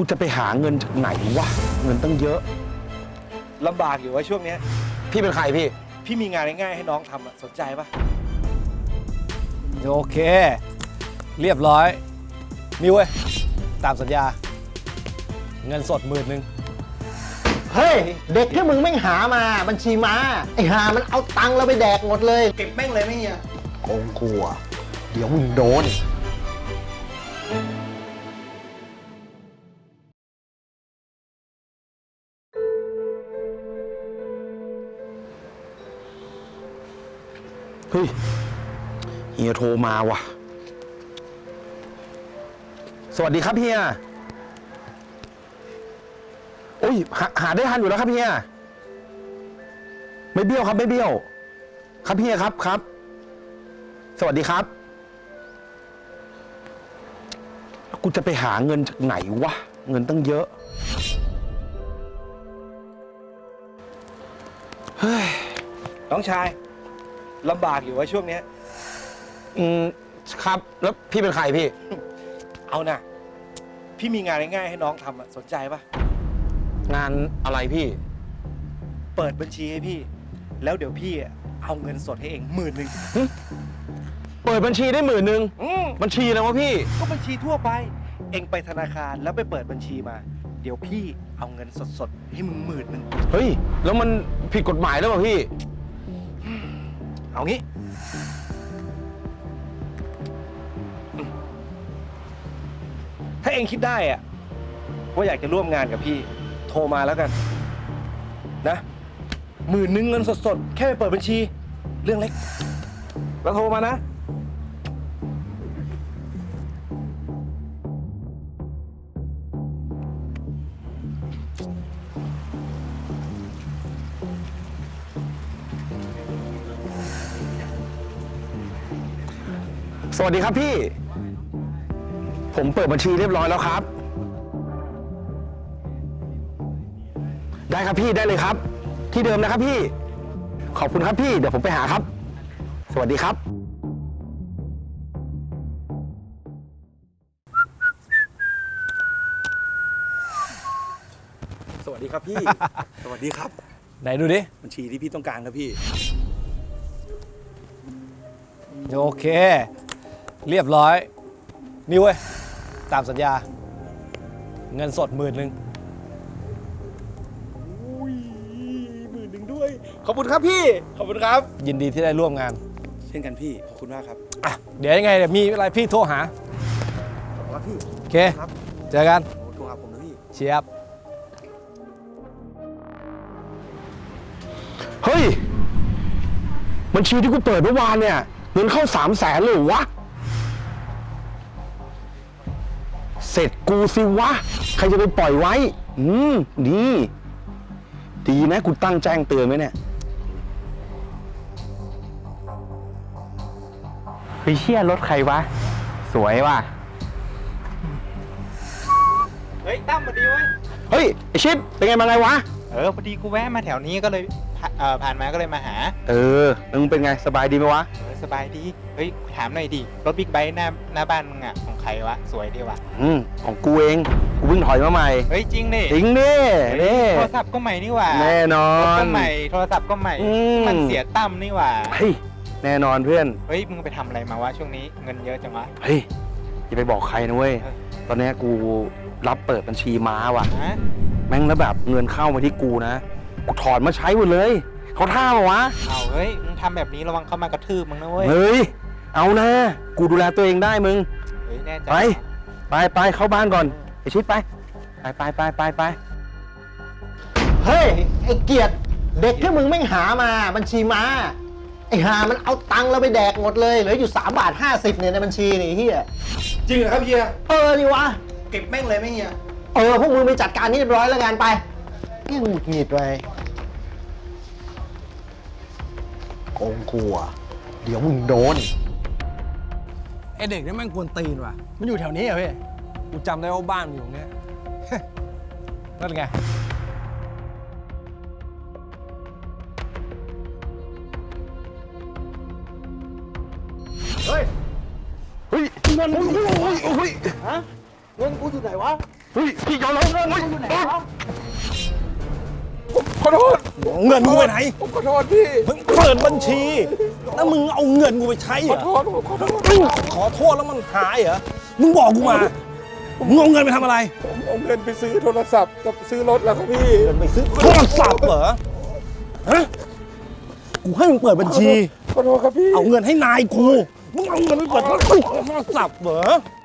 กูจะไปหาเงินจากไหนวะเงินตั้งเยอะลำบากอยู่ว่าช่วงนี้พี่เป็นใครพี่มีงานง่ายๆให้น้องทำอะสนใจปะโอเคเรียบร้อยนี่เว้ยตามสัญญาเงินสด10,000 เฮ้ยเด็กที่มึงไม่หามาบัญชีม้าไอ้หามันเอาตังค์เราไปแดกหมดเลยเก็บแม่งเลยไม่เฮียโกงกลัวเดี๋ยวมึงโดนเฮ้ยเฮียโทรมาว่ะสวัสดีครับเฮียโอ้ยหาได้ทันอยู่แล้วครับเฮียไม่เบี้ยวครับไม่เบี้ยวครับเฮียครับสวัสดีครับกูจะไปหาเงินจากไหนวะเงินตั้งเยอะเฮ้ยน้องชายลำบากอยู่ว่าช่วงนี้ครับแล้วพี่เป็นใครพี่เอานะพี่มีงานง่ายๆให้น้องทำอะสนใจปะงานอะไรพี่เปิดบัญชีให้พี่แล้วเดี๋ยวพี่เอาเงินสดให้เอง10,000 เปิดบัญชีได้10,000บัญชีอะไรวะพี่ก็บัญชีทั่วไปเองไปธนาคารแล้วไปเปิดบัญชีมาเดี๋ยวพี่เอาเงินสดๆให้มึง10,000 เฮ้ยแล้วมันผิดกฎหมายหรือเปล่าพี่เอางี้ถ้าเองคิดได้อะว่าอยากจะร่วมงานกับพี่โทรมาแล้วกันนะ10,000เงินสดๆแค่ไปเปิดบัญชีเรื่องเล็กแล้วโทรมานะสวัสดีครับพี่ผมเปิดบัญชีเรียบร้อยแล้วครับได้ครับพี่ได้เลยครับที่เดิมนะครับพี่ขอบคุณครับพี่เดี๋ยวผมไปหาครับสวัสดีครับสวัสดีครับพี่ สวัสดีครับไหนดูดิบัญชีที่พี่ต้องการครับพี่โอเคเรียบร้อยนี่เว้ยตามสัญญาเงินสด10,000 อุ้ย10,000ด้วยขอบคุณครับพี่ขอบคุณครับยินดีที่ได้ร่วมงานเช่นกันพี่ขอบคุณมากครับเดี๋ยวยังไงเดี๋ยวมีอะไรพี่โทรหาขอบคุณครับพี่โอเคเจอกันโทรหาผมนะพี่เชียบเฮ้ยบัญชีที่กูเปิดเมื่อวานเนี่ยเงินเข้า300,000เลยวะเสร็จกูสิวะใครจะไปปล่อยไว้ดีนะกูตั้งแจ้งเตือนไว้เนี่ยไปเชี่ยรถใครวะสวยว่ะเฮ้ยตั้มมาดีเว้ยเฮ้ยไอชิดเป็นไงมาไงวะพอดีกูแวะมาแถวนี้ก็เลยผ่านมาก็เลยมาหามึงเป็นไงสบายดีไหมวะสบายดีเฮ้ยถามหน่อยดิรถบิ๊กไบค์หน้าบ้านมึงอ่ะของใครวะสวยดีวะของกูเองกูเพิ่งถอยมาใหม่เฮ้ยจริงดิโทรศัพท์ก็ใหม่นี่หว่าแน่นอนก็ใหม่โทรศัพท์ก็ใหม่มันเสียตั้มนี่หว่าเฮ้ยแน่นอนเพื่อนเฮ้ยมึงไปทำอะไรมาวะช่วงนี้เงินเยอะจังวะเฮ้ยอย่าไปบอกใครนะเว้ยตอนนี้กูรับเปิดบัญชีม้าว่ะแม่งแล้วแบบเงินเข้ามาที่กูนะกูถอนมาใช้หมดเลยเขาท่ามาวะเอาเฮ้ยมึงทำแบบนี้ระวังเขามากระทืบมึงนะเว้ยเฮ้ยเอานะกูดูแลตัวเองได้มึงเฮ้ยแน่ใจไปเข้าบ้านก่อนไอชิดไปเฮ้ยไอเกียรติเด็กที่มึงไม่หามาบัญชีม้าไอหามันเอาตังค์เราไปแดกหมดเลยเหลืออยู่3.50 เนี่ยในบัญชีนี่เฮียจริงเหรอครับเฮียนี่วะเก็บแม่งเลยไหมเฮียพวกมึงไปจัดการนี่เรียบร้อยแล้วกันไปนี่หงุดหงิดไปโกงกลัวเดี๋ยวมึงโดนไอเด็กนี่แม่งกวนตีนว่ะมันอยู่แถวนี้เหรอพี่กูจำได้ว่าบ้านมันอยู่ตรงนี้นั่นไงเงินกูอยู่ไหนวะเฮ้ยพี่ยอมแล้วเฮ้ยขอโทษเงินกูไปไหนผมขอโทษพี่มึงเปิดบัญชี แล้วมึงเอาเงินกูไปใช้เหรอผมขอโทษขอโทษแล้วมันหายเหรอ มึงบอกกูมา มึงเอาเงินไปทำอะไรผมเอาเงินไปซื้อโทรศัพท์กับซื้อรถแล้วครับพี่เงินไปซื้อโทรศัพท์เหรอ ฮะ กูให้มึงเปิดบัญชีขอโทษครับพี่เอาเงินให้นายกู มึงเอาเงินไปเปิดโทรศัพท์เหรอ